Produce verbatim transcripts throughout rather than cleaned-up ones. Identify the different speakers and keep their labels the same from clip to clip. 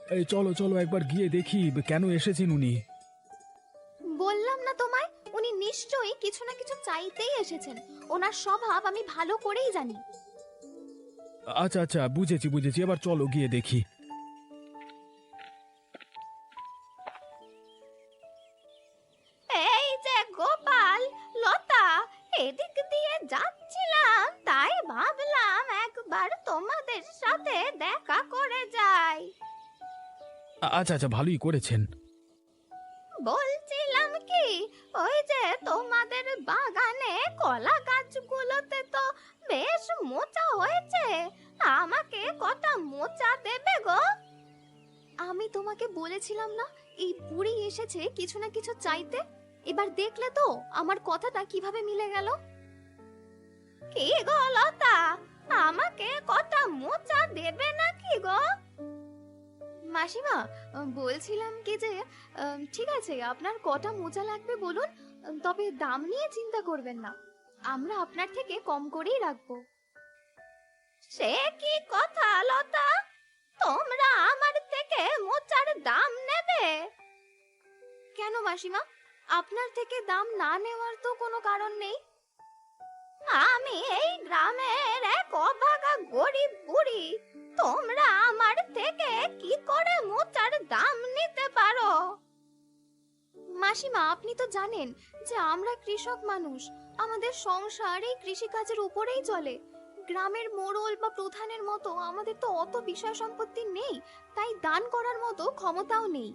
Speaker 1: এই চলো চলো একবার গিয়ে দেখি কেন এসেছেন উনি।
Speaker 2: বললাম না তোমায়, উনি নিশ্চয়ই কিছু না কিছু চাইতেই এসেছেন। ওনার স্বভাব আমি ভালো করেই জানি।
Speaker 1: আচ্ছা আচ্ছা, বুঝেছি বুঝেছি, এবার চলো গিয়ে দেখি।
Speaker 2: এই যে গোপাল, লতা, এদিক দিয়ে যাচ্ছিলাম, তাই ভাবলাম একবার তোমাদের সাথে দেখা করে যাই।
Speaker 1: আ- আচ্ছা আচ্ছা, ভালোই করেছেন।
Speaker 2: বলছিলাম কি, ওই যে তোমাদের বাগানে কলা গাছগুলোতে তো বেশ মোচা হয়েছে, আমাকে কটা মোচা দেবে গো? আমি তোমাকে বলেছিলাম না, এই বুড়ি এসেছে কিছু না কিছু চাইতে। এবার দেখলে তো আমার কথাটা কিভাবে মিলে গেল। কি গো লতা, আমাকে কটা মোচা দেবে নাকি গো? মাসিমা, বলছিলাম কি যে আম, ঠিক আছে, আপনার কটা মোচা লাগবে বলুন, তবে দাম নিয়ে চিন্তা করবেন না, আমরা আপনার থেকে কম করেই রাখবো। সে কি কথা লতা, তোমরা আমার থেকে মোচার দাম নেবে? কেন মাসিমা, আপনার থেকে দাম না নেওয়ার তো কোনো কারণ নেই। আমি এই গ্রামের এক অভাগা গরিব বুড়ি, তোমরা আমার থেকে কি করে মোচার দাম নিতে পারো? মাসিমা, আপনি তো জানেন যে আমরা কৃষক মানুষ, আমাদের সংসার এই কৃষিকাজের উপরেই চলে। গ্রামের মোড়ল বা প্রধানের মতো আমাদের তো অত বিষয় সম্পত্তি নেই, তাই দান করার মতো ক্ষমতাও নেই।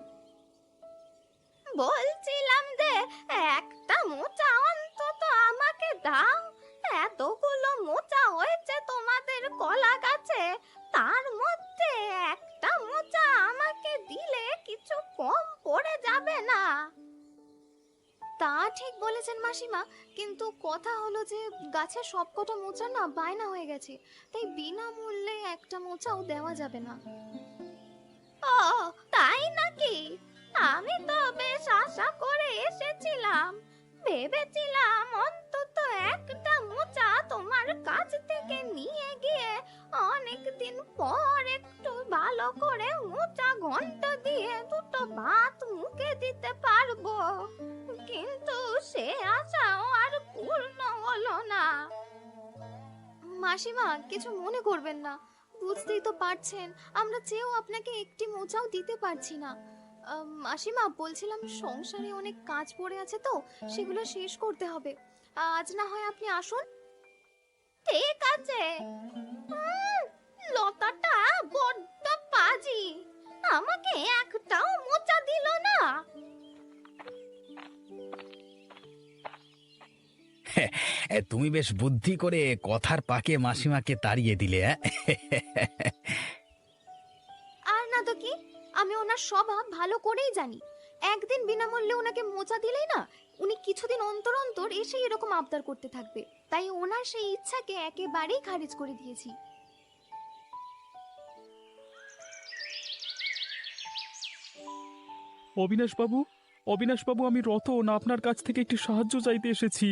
Speaker 2: বলছিলাম যে একটা মোচা অন্তত আমাকে দাও। এতগুলো মোচা হয়েছে তোমাদের কলা গাছে, তার মধ্যে একটা মোচা আমাকে দিলে কিছু কম পড়ে যাবে না? তা ঠিক বলেছেন মাসিমা, কিন্তু কথা হলো যে গাছের সবকটা মোচা না বায়না হয়ে গেছে, তাই বিনামূল্যে একটা মোচাও দেওয়া যাবে না। ও, তাই নাকি? আমি তো বেশ আশা করে এসেছিলাম, ভেবেছিলাম অন্তত একটা মোচা তোমার কাছ থেকে নিয়ে গিয়ে অনেক দিন পর একটু ভালো করে মোচা ঘন্ট দিয়ে দুটো ভাত মুখে দিতে পারবো, কিন্তু সে আশাও আর পূর্ণ হলো না। মাসিমা, কিছু মনে করবেন না, বুঝতেই তো পারছেন আমরা চেয়েও আপনাকে একটি মোচাও দিতে পারছি না। আম, মাসিমা, বলছিলাম সংসারে অনেক কাজ পড়ে আছে তো, সেগুলো শেষ করতে হবে। আজ না হয় আপনি আসুন। ঠিক আছে। উম, লতাটা বড্ড পাজি, আমাকে একটাও মোচা দিল না।
Speaker 1: এ, তুমি বেশ বুদ্ধি করে কথার পাকে মাসিমাকে তাড়িয়ে দিলে। অ্যাঁ?
Speaker 2: আর না তো কি, আমি ওনার স্বভাব ভালো করেই জানি। একদিন বিনামূল্যে ওনাকে মোচা দিলেই না, উনি কিছুদিন অন্তর অন্তর এসে এরকম আবদার করতে থাকবে, তাই ওনার সেই ইচ্ছাকে একেবারেই খারিজ করে দিয়েছি।
Speaker 1: অবিনাশ বাবু, অবিনাশ বাবু, আমি রতন আপনার কাছ থেকে একটি সাহায্য চাইতে এসেছি।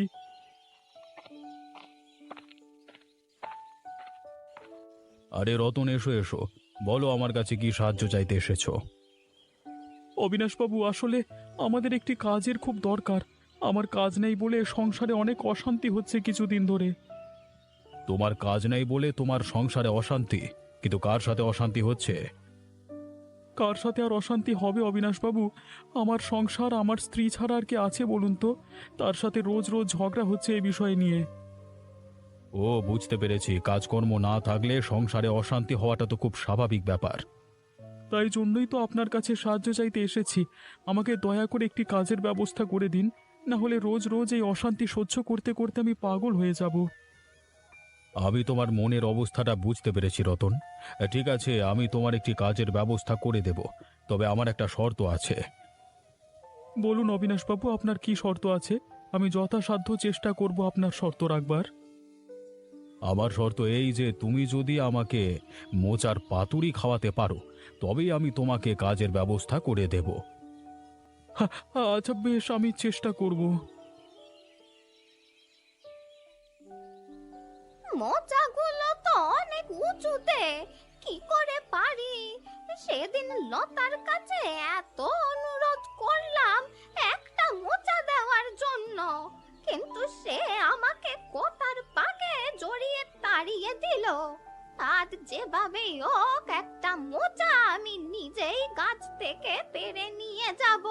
Speaker 1: আরে রতন, এসো এসো, বলো আমার কাছে কি সাহায্য চাইতে এসেছো। অবিনাশ বাবু, আসলে আমাদের একটি কাজের খুব দরকার। আমার কাজ নেই বলে সংসারে অনেক অশান্তি হচ্ছে কিছুদিন ধরে। তোমার কাজ নেই বলে তোমার সংসারে অশান্তি? কিন্তু কার সাথে অশান্তি হচ্ছে? কার সাথে আর অশান্তি হবে অবিনাশ বাবু? আমার সংসার, আমার স্ত্রী ছাড়া আর কে আছে বলুন তো? তার সাথে রোজ রোজ ঝগড়া হচ্ছে এই বিষয় নিয়ে। ও, বুঝতে পেরেছি, কাজকর্ম না থাকলে সংসারে অশান্তি হওয়াটা তো খুব স্বাভাবিক ব্যাপার। তাই জন্যই তো আপনার কাছে সাহায্য চাইতে এসেছি। আমাকে দয়া করে একটি কাজের ব্যবস্থা করে দিন, না হলে রোজ রোজ এই অশান্তি সহ্য করতে করতে আমি পাগল হয়ে যাব। আমি তোমার মনের অবস্থাটা বুঝতে পেরেছি রতন। ঠিক আছে, আমি তোমার একটি কাজের ব্যবস্থা করে দেব, তবে আমার একটা শর্ত আছে। বলুন অবিনাশবাবু, আপনার কি শর্ত আছে? আমি যথাসাধ্য চেষ্টা করব আপনার শর্ত রাখবার। আমার শর্ত এই যে তুমি যদি আমাকে মোচার পাতুরি খাওয়াতে পারো, তবেই আমি তোমাকে কাজের ব্যবস্থা করে দেব। আচ্ছা বেশ, আমি চেষ্টা করব।
Speaker 2: মোচাগুলো তো অনেক উঁচুতে, কি করে পারি সেদিন লতার কাছে এত অনুরোধ করলাম একটা মোচা দেওয়ার জন্য, কিন্তু সে আমাকে কথার পাকে জড়িয়ে তাড়িয়ে দিল। আজ যেভাবেই হোক একটা মোচা আমি নিজেই গাছ থেকে পেড়ে নিয়ে যাব।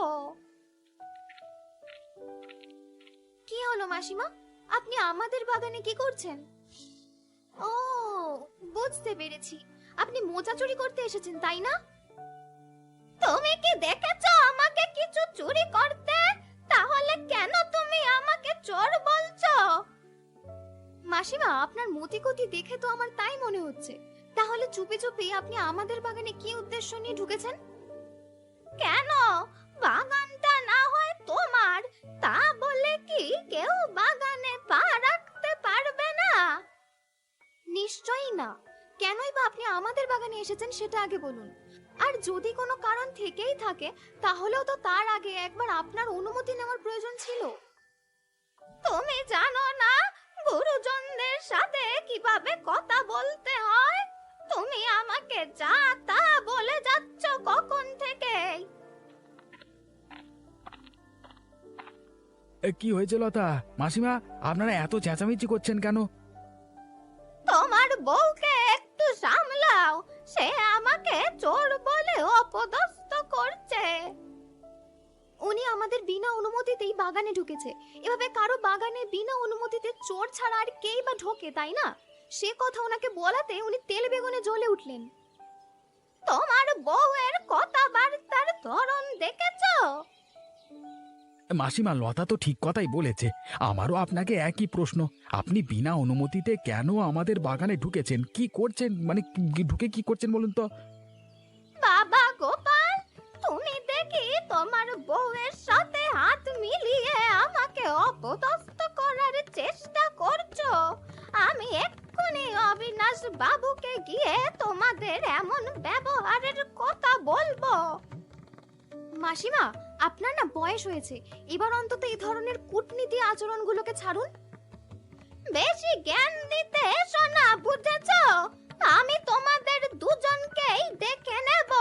Speaker 2: কি হলো মাসিমা, আপনি আমাদের বাগানে কি করছেন? ও, বুঝতে পেরেছি, আপনি মোচা চুরি করতে এসেছেন তাই না? তুমি কি দেখেছো আমাকে কিছু চুরি করতে? তাহলে কেন তুমি আমাকে চোর বলছো? মাসিমা, আপনার মতিগতি দেখে তো আমার তাই মনে হচ্ছে। তাহলে চুপি চুপি আপনি আমাদের বাগানে কি উদ্দেশ্য নিয়ে ঢুকেছেন? কেন, বাগানটা না হয় তোমার, তা বলে কি কেউ বাগানে পা রাখতে পারবে না? নিশ্চয়ই না। কেনই বা আপনি আমাদের বাগানে এসেছেন সেটা আগে বলুন। আর যদি কোনো কারণ থেকেই থাকে তাহলেও তো তার আগে একবার আপনার অনুমতি নেওয়ার প্রয়োজন ছিল। তুমি জানো না গুরুজনদের সাথে কিভাবে কথা বলতে হয়? তুমি আমাকে যা তা বলে যাচ্ছ কখন থেকে।
Speaker 3: কি হয়েছে লতা মাসিমা, আপনারা এত চেঁচামেচি করছেন কেন?
Speaker 2: তোমার বউকে একটু সামলাও, সে আমাকে চোর বলে অপদস্থ করছে। উনি আমাদের বিনা অনুমতিতেই বাগানে ঢুকেছে। এভাবে কারো বাগানে বিনা অনুমতিতে চোর ছাড়া আর কেই বা ঢোকে, তাই না? সে কথা ওনাকে বলাতে উনি তেল বেগুনে জ্বলে উঠলেন। তোমার বউয়ের কথাবার্তার ধরন দেখেছো?
Speaker 3: মাসিমা, লতা তো ঠিক কথাই বলেছে। আমারও আপনাকে একই প্রশ্ন। আপনি বিনা অনুমতিতে কেন আমাদের বাগানে ঢুকেছেন? কি করছেন, মানে কি- ঢুকে কি করছেন বলুন তো?
Speaker 2: বাবা গোপাল, তুমি দেখি তোমার বউয়ের সাথে হাত মিলিয়ে আমাকে অপদস্থ করার চেষ্টা করছো। আমি এক্ষুনি অবিনাশ বাবুকে গিয়ে তোমাদের এমন ব্যবহারের কথা বলবো। মাসিমা, আপনার না বয়স হয়েছে, এবার অন্তত এই ধরনের কূটনীতি আচরণগুলোকে ছাড়ুন। বেশি জ্ঞান দিতে এসো না, বুঝেছো? আমি তোমাদের দুজনকেই দেখে নেব।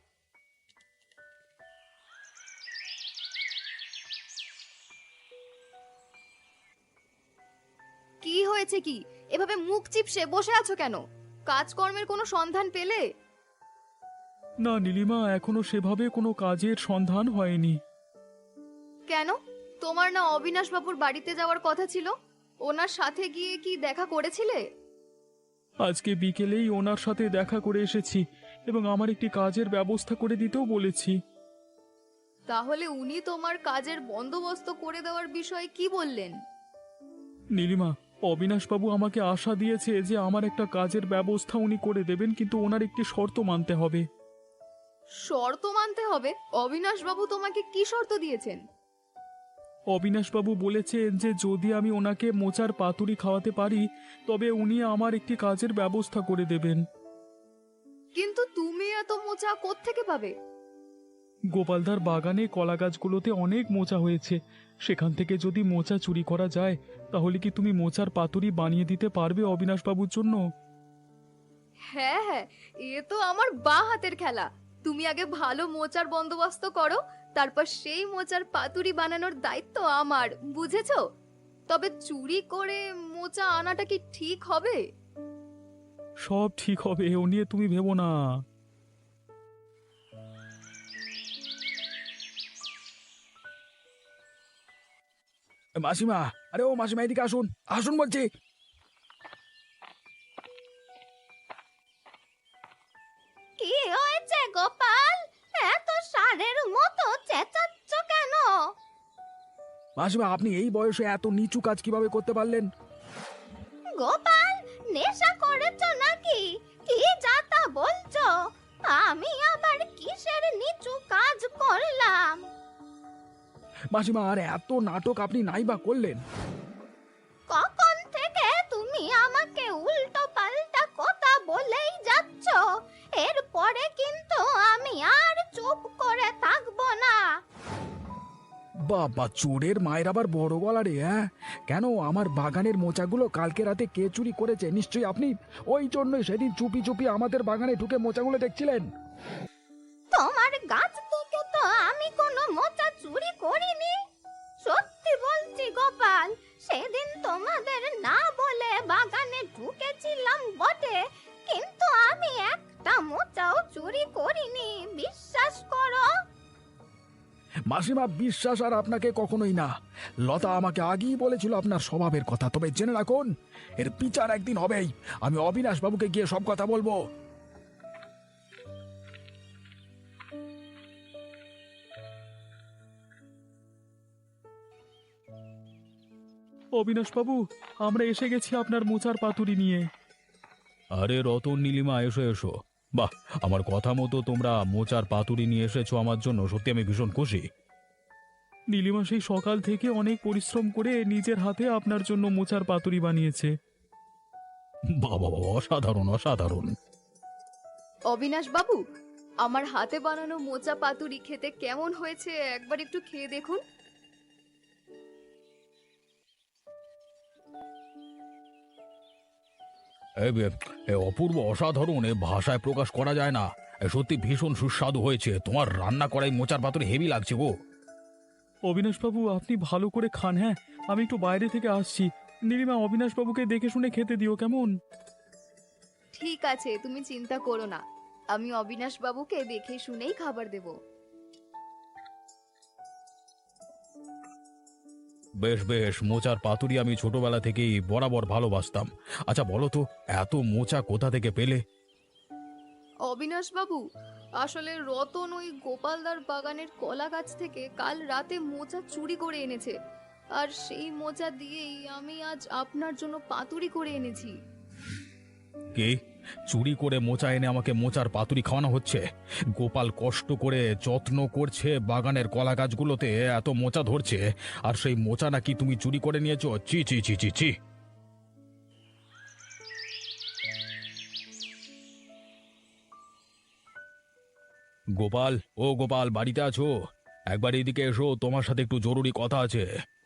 Speaker 2: কি হয়েছে কি? এভাবে মুখ চিপসে বসে আছো কেন? কাজকর্মের কোনো সন্ধান পেলে?
Speaker 1: না নীলিমা, এখনো সেভাবে কোনো কাজের সন্ধান হয়নি।
Speaker 2: কেন? তোমার না অবিনাশ বাবুর বাড়িতে যাওয়ার কথা ছিল? ওনার সাথে গিয়ে কি দেখা করেছিলে?
Speaker 1: আজকে বিকেলেই ওনার সাথে দেখা করে এসেছি এবং আমার একটি কাজের ব্যবস্থা করে দিতেও বলেছি।
Speaker 2: তাহলে উনি তোমার কাজের বন্দোবস্ত করে দেওয়ার বিষয়ে কি বললেন?
Speaker 1: নীলিমা, অবিনাশবাবু আমাকে আশা দিয়েছে যে আমার একটা কাজের ব্যবস্থা উনি করে দেবেন, কিন্তু ওনার একটি শর্ত মানতে হবে।
Speaker 2: শর্ত মানতে হবে? অবিনাশ বাবু তোমাকে কি শর্ত দিয়েছেন?
Speaker 1: অবিনাশবাবু বলেছেন যে যদি আমি ওনাকে মোচার পাতুরি খাওয়াতে পারি তবে উনি আমার একটি কাজের ব্যবস্থা করে দেবেন।
Speaker 2: কিন্তু তুমি এত মোচা কোত্থেকে পাবে?
Speaker 1: গোপালদার বাগানে কলা গাছগুলোতে অনেক মোচা হয়েছে, সেখান থেকে যদি মোচা চুরি করা যায় তাহলে কি তুমি মোচার পাতুরি বানিয়ে দিতে পারবে অবিনাশবাবুর জন্য?
Speaker 2: হ্যাঁ হ্যাঁ, এ তো আমার বাঁ হাতের খেলা। তুমি আগে ভালো মোচার বন্দোবস্ত করো, তারপর সেই মোচার পাতুরি বানানোর দায়িত্ব আমার, বুঝেছো? তবে চুরি করে মোচা আনাটা কি ঠিক হবে?
Speaker 1: সব ঠিক হবে, ও নিয়ে তুমি ভেবো না।
Speaker 3: মাসিমা, আরে ও মাসিমা, এদিকে আসুন, আসুন বলছি।
Speaker 2: কি হয়েছে গোপাল? এত ষাঁড়ের মতো চেঁচাচ্ছ কেন?
Speaker 3: মাসিমা, আপনি এই বয়সে এত নিচু কাজ কিভাবে করতে পারলেন?
Speaker 2: গোপাল, নেশা করেছো নাকি? কি যাতা বলছো? আমি আবার কিসের নিচু কাজ করলাম?
Speaker 3: মাসিমা, আর এত নাটক আপনি নাই বা করলেন?
Speaker 2: কখন থেকে তুমি আমাকে উল্টো পাল্টা কথা বলেই যাচ্ছ। এরপরে কিন্তু আমি আর চুপ করে থাকবো না।
Speaker 3: বাবা, চোরের মায়ের আবার বড় গলা রে! হ্যাঁ, কেন আমার বাগানের মোচাগুলো কালকে রাতে কে চুরি করেছে? নিশ্চয়ই আপনি। ওই জন্যই সেদিন চুপি চুপি আমাদের বাগানে ঢুকে মোচাগুলো দেখছিলেন। মাসিমা, বিশ্বাস আর আপনাকে কখনোই না। লতা আমাকে আগেই বলেছিল আপনার স্বভাবের কথা, তবে জেনে রাখুন এর বিচার একদিন হবেই। আমি অবিনাশ বাবুকে গিয়ে সব কথা বলবো।
Speaker 1: অবিনাশ বাবু, আমরা এসে গেছি আপনার মোচার পাতুরি নিয়ে। আরে রতন, নীলিমা, এসো এসো। বাহ, আমার কথা মতো তোমরা মোচার পাতুরি নিয়ে এসেছো আমার জন্য, সত্যি আমি ভীষণ খুশি। নীলিমা সেই সকাল থেকে অনেক পরিশ্রম করে নিজের হাতে আপনার জন্য মোচার পাতুরি বানিয়েছে। বাবা বাবা, অসাধারণ অসাধারণ।
Speaker 4: অবিনাশ বাবু, আমার হাতে বানানো মোচা পাতুরি খেতে কেমন হয়েছে একবার একটু খেয়ে দেখুন।
Speaker 1: এ বে- এ অপূর্ব, অসাধারণ, এ ভাষায় প্রকাশ করা যায় না। এ সত্যি ভীষণ সুস্বাদু হয়েছে। তোমার রান্না করাই মোচার পাতুরি হেভি লাগছে গো। অবিনাশ বাবু, আপনি ভালো করে খান। হ্যাঁ, আমি একটু বাইরে থেকে আসছি। নীলিমা, অবিনাশ বাবুকে দেখে শুনে খেতে দিও, কেমন?
Speaker 4: ঠিক আছে, তুমি চিন্তা করো না, আমি অবিনাশ বাবুকে দেখে শুনেই খাবার দেব।
Speaker 1: বেশ বেশ, মোচার পাতুরি আমি ছোটবেলা থেকেই বরাবর ভালোবাসতাম। আচ্ছা বলো তো, এত মোচা কোথা থেকে পেলে?
Speaker 4: অবিনাশ বাবু, আসলে রতন ওই গোপালদার বাগানের কলা গাছ থেকে কাল রাতে মোচা চুরি করে এনেছে, আর সেই মোচা দিয়েই আমি আজ আপনার জন্য পাতুরি করে এনেছি।
Speaker 1: কি, চুরি করে মোচা এনে আমাকে মোচার পাতুরি খাওয়ানো হচ্ছে? গোপাল কষ্ট করে যত্ন করছে বাগানের কলা গাছগুলোতে, এত মোচা ধরছে, আর সেই মোচা নাকি তুমি চুরি করে নিয়েছো? চি চি চি চি চি। গোপাল, ও গোপাল, বাড়িতে আছো? একবার এদিকে এসো, তোমার সাথে একটু জরুরি কথা আছে।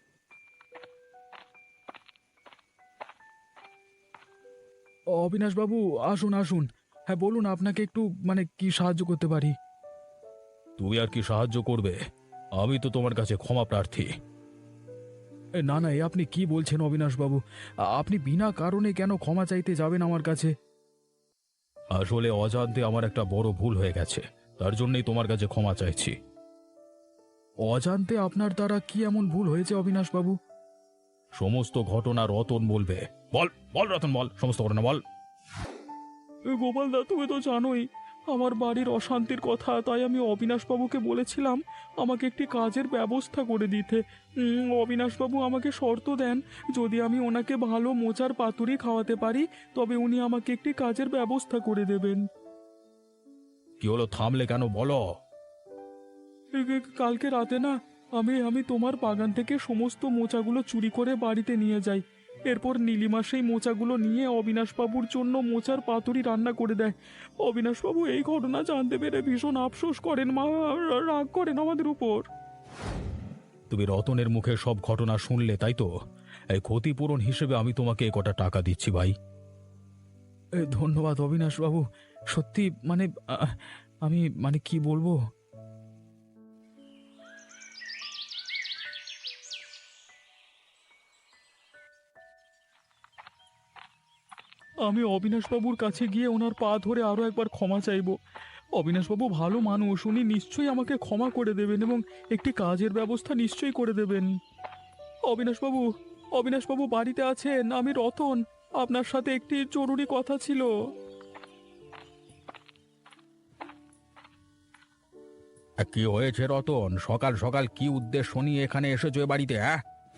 Speaker 3: অবিনাশ বাবু, আসুন আসুন। হ্যাঁ বলুন, আপনাকে একটু মানে কি সাহায্য করতে পারি?
Speaker 1: তুমি আর কি সাহায্য করবে? আমি তো তোমার কাছে ক্ষমা প্রার্থী।
Speaker 3: এ, না না, এ আপনি কি বলছেন অবিনাশ বাবু? আ- আপনি বিনা কারণে কেন ক্ষমা চাইতে যাবেন আমার কাছে?
Speaker 1: আসলে অজান্তে আমার একটা বড় ভুল হয়ে গেছে, তার জন্যই তোমার কাছে ক্ষমা চাইছি।
Speaker 3: অজান্তে আপনার দ্বারা কি এমন ভুল হয়েছে অবিনাশ বাবু?
Speaker 1: সমস্ত ঘটনা রতন বলবে। বল বল রতন, বল সমস্ত ঘটনা বল। গোপাল দা, তুমি তো জানোই আমার বাড়ির অশান্তির কথা, তাই আমি অবিনাশ বাবুকে বলেছিলাম আমাকে একটি কাজের ব্যবস্থা করে দিতে। উম, অবিনাশ বাবু আমাকে শর্ত দেন, যদি আমি ওনাকে ভালো মোচার পাতুরি খাওয়াতে পারি তবে উনি আমাকে একটি কাজের ব্যবস্থা করে দেবেন। কি হলো, থামলে কেন, বলো। কালকে রাতে না, আমি আমি তোমার বাগান থেকে সমস্ত মোচাগুলো চুরি করে বাড়িতে নিয়ে যাই। এরপর নীলিমা সেই মোচাগুলো নিয়ে অবিনাশবাবুর জন্য মোচার পাতুরি রান্না করে দেয়। অবিনাশবাবু এই ঘটনা জানতে পেরে ভীষণ আফসোস করেন, মা রাগ করেন আমাদের উপর। তুমি রতনের মুখে সব ঘটনা শুনলে, তাই তো? এই ক্ষতিপূরণ হিসেবে আমি তোমাকে এ কটা টাকা দিচ্ছি ভাই।
Speaker 3: এ, ধন্যবাদ অবিনাশ বাবু। সত্যি মানে আ, আমি মানে কি বলবো?
Speaker 1: আমি অবিনাশবাবুর কাছে গিয়ে ওনার পা ধরে আরও একবার ক্ষমা চাইব। অবিনাশবাবু ভালো মানুষ, উনি নিশ্চয়ই আমাকে ক্ষমা করে দেবেন এবং একটি কাজের ব্যবস্থা নিশ্চয়ই করে দেবেন। অবিনাশবাবু, অবিনাশবাবু বাড়িতে আছেন? আমি রতন, আপনার সাথে একটি জরুরি কথা ছিল। কি হয়েছে রতন, সকাল সকাল কি উদ্দেশ্য নিয়ে এখানে এসেছো এ বাড়িতে? হ্যাঁ,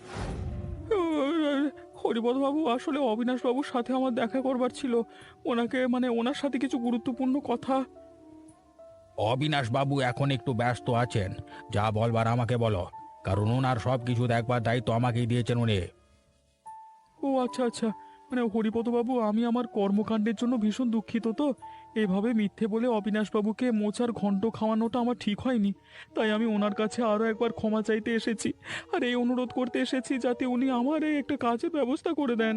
Speaker 1: হরিপদ বাবু, আসলে অবিনাশ বাবুর সাথে আমার দেখা করবার ছিল, ওনাকে মানে ওনার সাথে কিছু গুরুত্বপূর্ণ কথা। অবিনাশ বাবু এখন একটু ব্যস্ত আছেন, যা বলবার আমাকে বলো, কারণ ওনার সব কিছু দেখবার দায়িত্ব আমাকেই দিয়েছেন উনি। ও আচ্ছা আচ্ছা, মানে হরিপদ বাবু, আমি আমার কর্মকাণ্ডের জন্য ভীষণ দুঃখিত। তো এভাবে মিথ্যে বলে অবিনাশ বাবুকে মোচার ঘন্ট খাওয়ানোটা আমার ঠিক হয়নি, তাই আমি ওনার কাছে আরও একবার ক্ষমা চাইতে এসেছি, আর এই অনুরোধ করতে এসেছি যাতে উনি আমার এই একটা কাজের ব্যবস্থা করে দেন।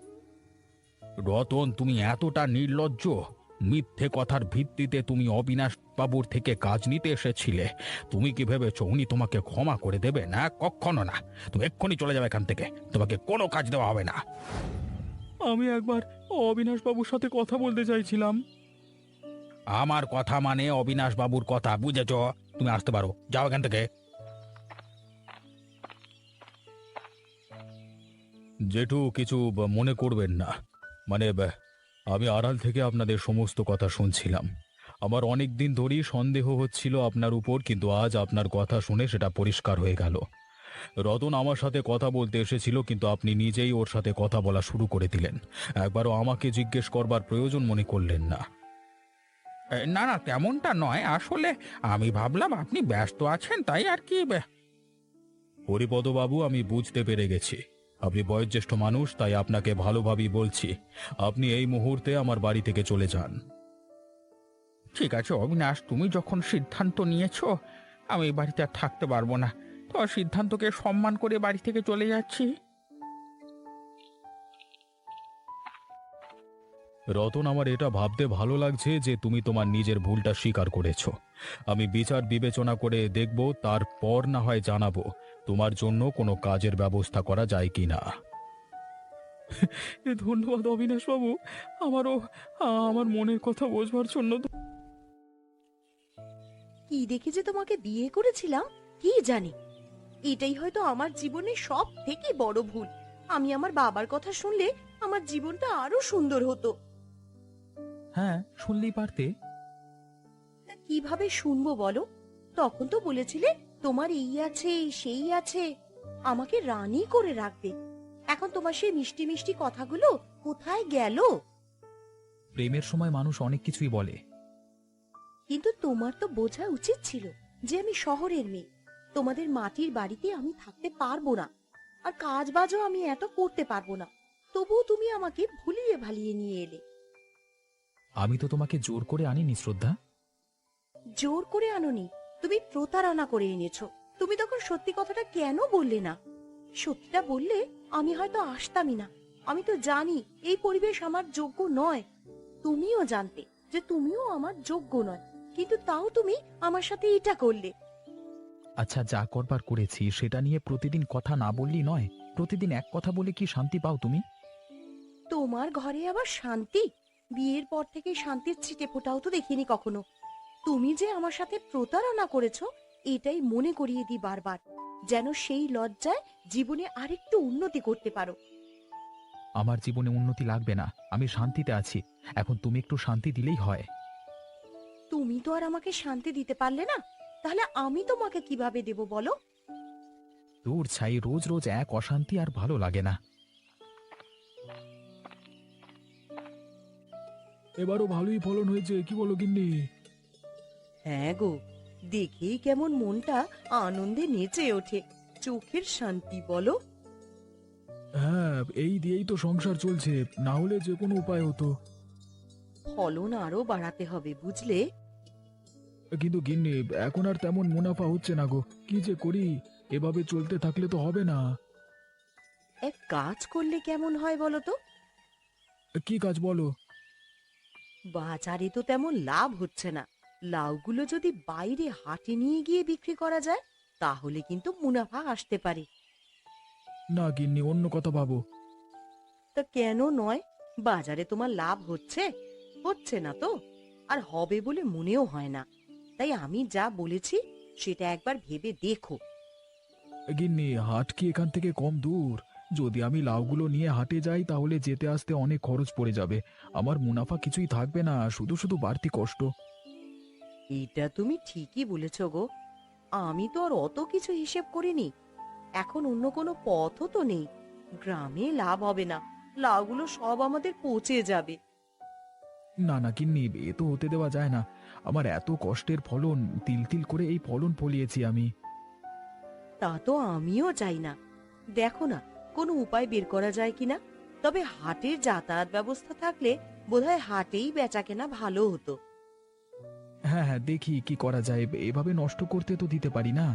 Speaker 1: রতন, তুমি এতটা নির্লজ্জ? মিথ্যে কথার ভিত্তিতে তুমি অবিনাশ বাবুর থেকে কাজ নিতে এসেছিলে? তুমি কি ভেবেছো উনি তোমাকে ক্ষমা করে দেবে? না, কখনো না। তুমি এক্ষুনি চলে যাবে এখান থেকে, তোমাকে কোনো কাজ দেওয়া হবে না। আমি একবার অবিনাশ বাবুর সাথে কথা বলতে চাইছিলাম। আমার কথা মানে অবিনাশ বাবুর কথা, বুঝেছো? তুমি আসতে পারো, যাও এখান থেকে। জেঠু কিছু ব- মনে করবেন না। মানে ব- আমি আড়াল থেকে আপনাদের সমস্ত কথা শুনছিলাম। আমার অনেক দিন ধরেই সন্দেহ হচ্ছিল আপনার উপর, কিন্তু আজ আপনার কথা শুনে সেটা পরিষ্কার হয়ে গেল। রতন আমার সাথে কথা বলতে এসেছিল, কিন্তু আপনি নিজেই ওর সাথে কথা বলা শুরু করে দিলেন। একবারও আমাকে জিজ্ঞেস করবার প্রয়োজন মনে করলেন না।
Speaker 3: এ, না না, তেমনটা নয়। আসলে আমি ভাবলাম আপনি ব্যস্ত আছেন, তাই আর কি। বে-
Speaker 1: হরিপদবাবু, আমি বুঝতে পেরে গেছি আপনি বয়োজ্যেষ্ঠ মানুষ, তাই আপনাকে ভালোভাবেই বলছি, আপনি এই মুহূর্তে আমার বাড়ি থেকে চলে যান।
Speaker 3: ঠিক আছে অবিনাশ, তুমি যখন সিদ্ধান্ত নিয়েছো, আমি এই বাড়িতে আর থাকতে পারবো না। তো সিদ্ধান্তকে সম্মান করে বাড়ি থেকে চলে যাচ্ছি।
Speaker 1: রতন, আমার এটা ভাবতে ভালো লাগছে যে তুমি তোমার নিজের ভুলটা স্বীকার করেছো। আমি বিচার বিবেচনা করে দেখব, তারপর না হয় জানাবো তোমার জন্য কোনো কাজের ব্যবস্থা করা যায় কি না। ধন্যবাদ অবিনাশ বাবু, আমারও আমার মনের কথা বোঝবার জন্য।
Speaker 5: কি দেখে যে তোমাকে বিয়ে করেছিলাম কি জানি। এটাই হয়তো আমার জীবনের সব থেকে বড় ভুল। আমি আমার বাবার কথা শুনলে আমার জীবনটা আরো সুন্দর হতো।
Speaker 3: হ্যাঁ, শুনলেই পারতে।
Speaker 5: তা কিভাবে শুনবো বলো? তখন তো বলেছিলে তোমার এই আছে সেই আছে, আমাকে রানী করে রাখবে। এখন তোমার সেই মিষ্টি মিষ্টি কথাগুলো কোথায় গেল?
Speaker 3: প্রেমের সময় মানুষ অনেক কিছুই বলে।
Speaker 5: কিন্তু তোমার তো বোঝা উচিত ছিল যে আমি শহরের মেয়ে, তোমাদের মাটির বাড়িতে আমি থাকতে পারবো না, আর কাজ বাজও আমি এত করতে পারবো না। তবুও তুমি আমাকে ভুলিয়ে ভালিয়ে নিয়ে এলে।
Speaker 3: আমি তো তোমাকে জোর করে আনিনি শ্রদ্ধা।
Speaker 5: জোর করে আনোনি, তুমি প্রতারণা করে এনেছো। তুমি তখন সত্যি কথাটা কেন বললে না? সত্যিটা বললে আমি হয়তো আসতামই না। আমি তো জানি এই পরিবেশ আমার যোগ্য নয়। তুমিও জানতে যে তুমিও আমার যোগ্য নয়, কিন্তু তাও তুমি আমার সাথে এটা করলে।
Speaker 3: আচ্ছা, যা করবার করেছি সেটা নিয়ে প্রতিদিন কথা না বললেই নয়। প্রতিদিন এক কথা বলে কি শান্তি পাও তুমি?
Speaker 5: তোমার ঘরে আবার শান্তি? বিয়ের পর থেকে শান্তির ছিটে ফোটাও তো দেখিনি কখনো। তুমি যে আমার সাথে প্রতারণা করেছো এটাই মনে করিয়ে দিই বারবার, যেন সেই লজ্জায় জীবনে আরেকটু উন্নতি করতে পারো।
Speaker 3: আমার জীবনে উন্নতি লাগবে না, আমি শান্তিতে আছি। এখন তুমি একটু শান্তি দিলেই হয়।
Speaker 5: তুমি তো আর আমাকে শান্তি দিতে পারলে না, তাহলে আমি তোমাকে কিভাবে দেব বলো?
Speaker 3: দূর ছাই, রোজ রোজ এক অশান্তি আর ভালো লাগে না।
Speaker 1: এবারও ভালোই ফলন হয়েছে, কি বলো গিন্নি?
Speaker 5: হ্যাঁ গো, দেখেই কেমন মনটা আনন্দে নেচে ওঠে। চোখের শান্তি বলো।
Speaker 1: হ্যাঁ, এই দিয়েই তো সংসার চলছে, না হলে যে কোনো উপায় হতো।
Speaker 5: ফলন আরো বাড়াতে হবে বুঝলে।
Speaker 1: কিন্তু গিন্নি, এখন আর তেমন মুনাফা হচ্ছে না গো, কি যে করি? এভাবে চলতে থাকলে তো হবে না।
Speaker 5: এক কাজ করলে কেমন হয় বলো তো?
Speaker 1: কি কাজ বলো?
Speaker 5: বাজারে তো তেমন লাভ হচ্ছে না, লাউগুলো যদি বাইরে হাটে নিয়ে গিয়ে বিক্রি করা যায় তাহলে কিন্তু মুনাফা আসতে পারে।
Speaker 1: না গিন্নি, অন্য কথা ভাবো।
Speaker 5: তা কেন নয়? বাজারে তোমার লাভ হচ্ছে হচ্ছে না তো, আর হবে বলে মনেও হয় না। তাই আমি যা বলেছি সেটা একবার ভেবে দেখো।
Speaker 1: গিন্নি, হাট কি এখান থেকে কম দূর? যদি আমি লাউগুলো নিয়ে হাটে যাই তাহলে যেতে আসতে অনেক খরচ পড়ে যাবে। আমার মুনাফা কিছুই থাকবে না, শুধু শুধু বাড়তি কষ্ট।
Speaker 5: এটা তুমি ঠিকই বলেছ গো, আমি তো আর অত কিছু হিসেব করিনি। এখন অন্য কোনো পথও তো নেই। গ্রামে লাভ হবে না, লাউগুলো সব আমাদের পচে যাবে।
Speaker 1: না না গিন্নি, এ তো হতে দেওয়া যায় না। আমার এত কষ্টের ফলন, তিল তিল করে এই ফলন ফলিয়েছি আমি।
Speaker 5: তা তো আমিও চাই না। দেখো না কোনো উপায় বের করা যায় কিনা। তবে হাটের যাতায়াত ব্যবস্থা থাকলে বোধহয় হাটেই বেচা কেনা ভালো হতো।
Speaker 1: হ্যাঁ হ্যাঁ, দেখি কি করা যায়, এভাবে নষ্ট করতে তো দিতে পারি না।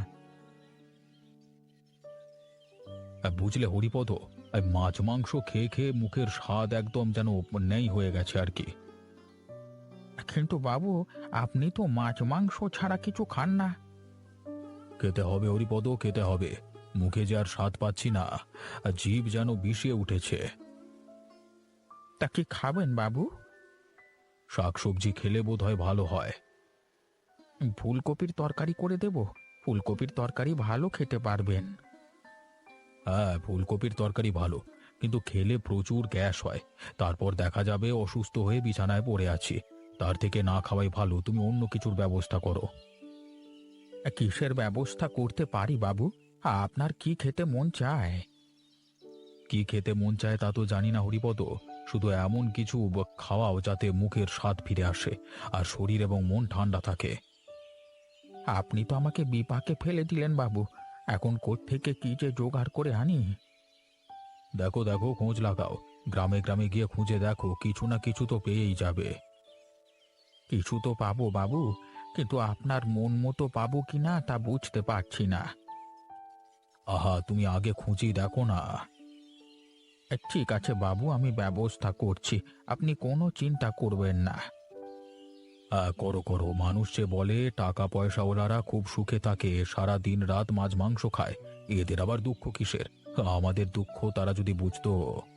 Speaker 1: বুঝলে হরিপদ, মাছ মাংস খেয়ে খেয়ে মুখের স্বাদ একদম যেন নেই হয়ে গেছে আর কি।
Speaker 3: কিন্তু বাবু, আপনি তো মাছ মাংস ছাড়া কিছু খান না।
Speaker 1: খেতে হবে হরিপদ, খেতে হবে। মুখে যে আর স্বাদ পাচ্ছি না, আর জিভ যেন বিষিয়ে উঠেছে।
Speaker 3: তা কি খাবেন বাবু?
Speaker 1: শাকসবজি খেলে বোধ হয় ভালো হয়।
Speaker 3: ফুলকপির তরকারি করে দেব? ফুলকপির তরকারি ভালো খেতে পারবেন।
Speaker 1: হ্যাঁ, ফুলকপির তরকারি ভালো, কিন্তু খেলে প্রচুর গ্যাস হয়। তারপর দেখা যাবে অসুস্থ হয়ে বিছানায় পড়ে আছি। তার থেকে না খাওয়াই ভালো, তুমি অন্য কিছুর ব্যবস্থা করো।
Speaker 3: কিসের ব্যবস্থা করতে পারি বাবু? আপনার কি খেতে মন চায়?
Speaker 1: কি খেতে মন চায় তা তো জানি না হরিপদ, শুধু এমন কিছু ব- খাওয়াও যাতে মুখের স্বাদ ফিরে আসে আর শরীর এবং মন ঠান্ডা থাকে।
Speaker 3: আপনি তো আমাকে বিপাকে ফেলে দিলেন বাবু। এখন কোত্থেকে কি যে জোগাড় করে আনি?
Speaker 1: দেখো দেখো, খোঁজ লাগাও, গ্রামে গ্রামে গিয়ে খুঁজে দেখো, কিছু না কিছু তো পেয়েই যাবে।
Speaker 3: কিছু তো পাবো বাবু, কিন্তু আপনার মন মতো পাবো কিনা তা বুঝতে পারছি না।
Speaker 1: আহা, তুমি আগে খুঁজি দেখো না।
Speaker 3: এ, ঠিক আছে বাবু, আমি ব্যবস্থা করছি, আপনি কোনো চিন্তা করবেন না।
Speaker 1: হ্যাঁ, করো করো। মানুষ যে বলে টাকা পয়সাওয়ালারা খুব সুখে থাকে, সারা দিন রাত মাছ মাংস খায়, এদের আবার দুঃখ কিসের? আমাদের দুঃখ তারা যদি বুঝতো।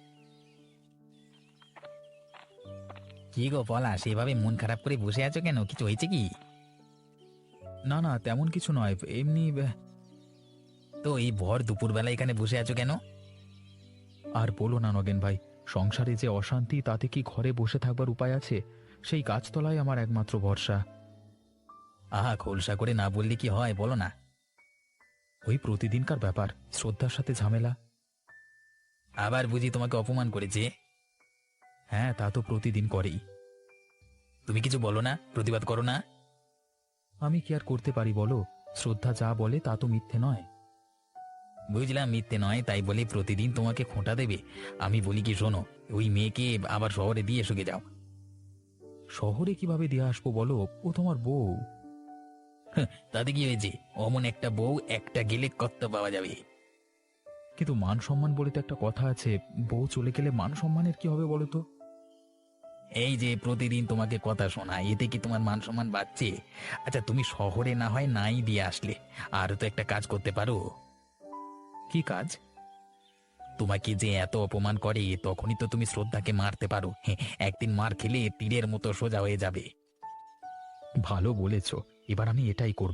Speaker 6: কি গো পলা, সেভাবে মন খারাপ করে বসে আছো কেন? কিছু হয়েছে কি?
Speaker 1: না না, তেমন কিছু নয়, এমনি। আহ,
Speaker 6: তো এই ভর দুপুরবেলা এখানে বসে আছো কেন?
Speaker 1: আর বলো না নগেন ভাই, সংসারে যে অশান্তি, তাতে কি ঘরে বসে থাকবার উপায় আছে? সেই গাছতলায় আমার একমাত্র ভরসা।
Speaker 6: আহা, খোলসা করে না বললে কি হয়, বলো না।
Speaker 1: ওই প্রতিদিনকার ব্যাপার, শ্রদ্ধার সাথে ঝামেলা।
Speaker 6: আবার বুঝি তোমাকে অপমান করেছে?
Speaker 1: হ্যাঁ, তা তো প্রতিদিন করেই।
Speaker 6: তুমি কিছু বলো না, প্রতিবাদ করো না?
Speaker 1: আমি কি আর করতে পারি বলো? শ্রদ্ধা যা বলে তা তো মিথ্যে নয়।
Speaker 6: বুঝলাম মিথ্যে নয়, তাই বলে প্রতিদিন তোমাকে খোঁটা দেবে? আমি বলি কি, শোনো, ওই মেয়েকে আবার শহরে দিয়ে এসে যাও।
Speaker 1: শহরে কিভাবে দিয়ে আসবো বলো? ও তোমার বউ।
Speaker 6: তাতে কি হয়েছে? অমন একটা বউ একটা গেলে কত পাওয়া যাবে।
Speaker 1: কিন্তু মান সম্মান বলে তো একটা কথা আছে, বউ চলে গেলে মান সম্মানের কি হবে বলো তো?
Speaker 6: এই যে প্রতিদিন তোমাকে কথা শোনায়, এতে কি তোমার মান সম্মান বাড়ছে? আচ্ছা, তুমি শহরে না হয় নাই দিয়ে আসলে, আর তো একটা কাজ করতে পারো।
Speaker 1: কি কাজ?
Speaker 6: তোমাকে যে এত অপমান করে, তখনই তো তুমি শ্রদ্ধাকে মারতে পারো। হ্যাঁ, একদিন মার খেলে তীরের মতো সোজা হয়ে যাবে।
Speaker 1: ভালো বলেছ, এবার আমি এটাই করব।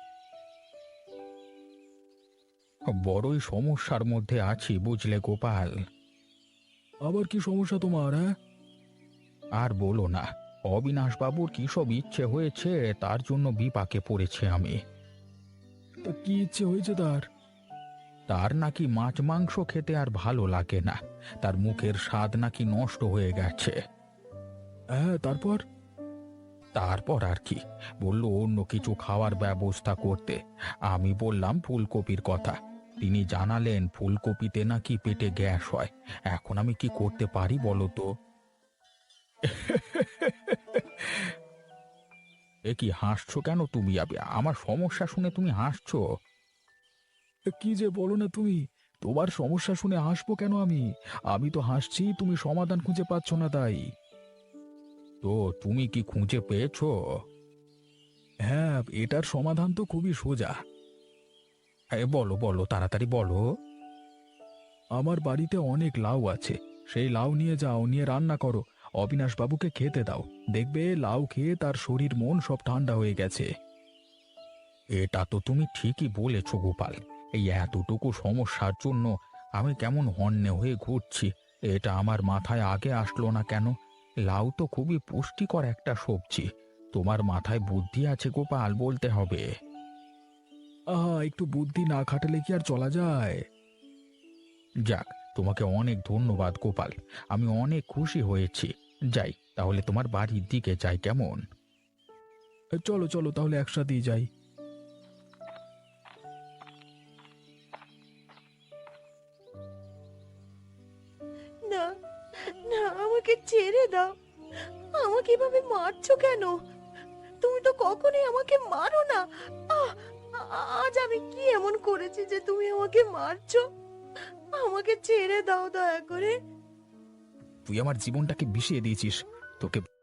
Speaker 3: বড়ই সমস্যার মধ্যে আছি বুঝলে গোপাল।
Speaker 1: আবার কি সমস্যা তোমার? হ্যাঁ,
Speaker 3: আর বলো না, অবিনাশবাবুর কি সব ইচ্ছে হয়েছে, তার জন্য বিপাকে পড়েছে আমি।
Speaker 1: তা কি ইচ্ছে হয়েছে তার?
Speaker 3: তার নাকি মাছ মাংস খেতে আর ভালো লাগে না, তার মুখের স্বাদ নাকি নষ্ট হয়ে গেছে।
Speaker 1: হ্যাঁ, তারপর?
Speaker 3: তারপর আর কি, বলল অন্য কিছু খাওয়ার ব্যবস্থা করতে। আমি বললাম ফুলকপির কথা। তিনি জানালেন ফুলকপিতে নাকি পেটে গ্যাস হয়। এখন আমি কি করতে পারি বলো তো? এ কি হাসছো কেন তুমি? আবে- আমার সমস্যা শুনে তুমি হাসছো?
Speaker 1: কি যে বলো না তুমি! তোমার সমস্যা শুনে হাসবো কেন আমি? আমি তো হাসছি, তুমি সমাধান খুঁজে পাচ্ছ না তাই।
Speaker 3: তো তুমি কি খুঁজে পেয়েছো?
Speaker 1: হ্যাঁ, এটার সমাধান তো খুবই সোজা।
Speaker 3: এ, বলো বলো, তাড়াতাড়ি বলো।
Speaker 1: আমার বাড়িতে অনেক লাউ আছে, সেই লাউ নিয়ে যাও, নিয়ে রান্না করো, অবিনাশ বাবুকে খেতে দাও, দেখবে লাউ খেয়ে তার শরীর মন সব ঠান্ডা হয়ে গেছে।
Speaker 3: এটা তো তুমি ঠিকই বলেছো গোপাল। এই এতটুকু সমস্যার জন্য আমি কেমন হন্যে হয়ে ঘুরছি, এটা আমার মাথায় আগে আসলো না কেন? লাউ তো খুবই পুষ্টিকর একটা সবজি। তোমার মাথায় বুদ্ধি আছে গোপাল, বলতে হবে।
Speaker 1: আহা, একটু বুদ্ধি না খাটালে কি আর চলা যায়?
Speaker 3: যাক, তোমাকে অনেক ধন্যবাদ গোপাল, আমি অনেক খুশি হয়েছি। যাই তাহলে, তোমার বাড়ির দিকে যাই, কেমন?
Speaker 1: চলো চলো, তাহলে একসাথেই যাই।
Speaker 5: না, না, আমাকে ছেড়ে দাও। আমাকে এভাবে মারছো কেন? তুমি তো কখনোই আমাকে মারো না। আহ, আ- আজ আমি কি এমন করেছি যে তুমি আমাকে মারছো? আমাকে ছেড়ে দাও দয়া করে।
Speaker 1: তুই আমার জীবনটাকে বিষিয়ে দিয়েছিস, তোকে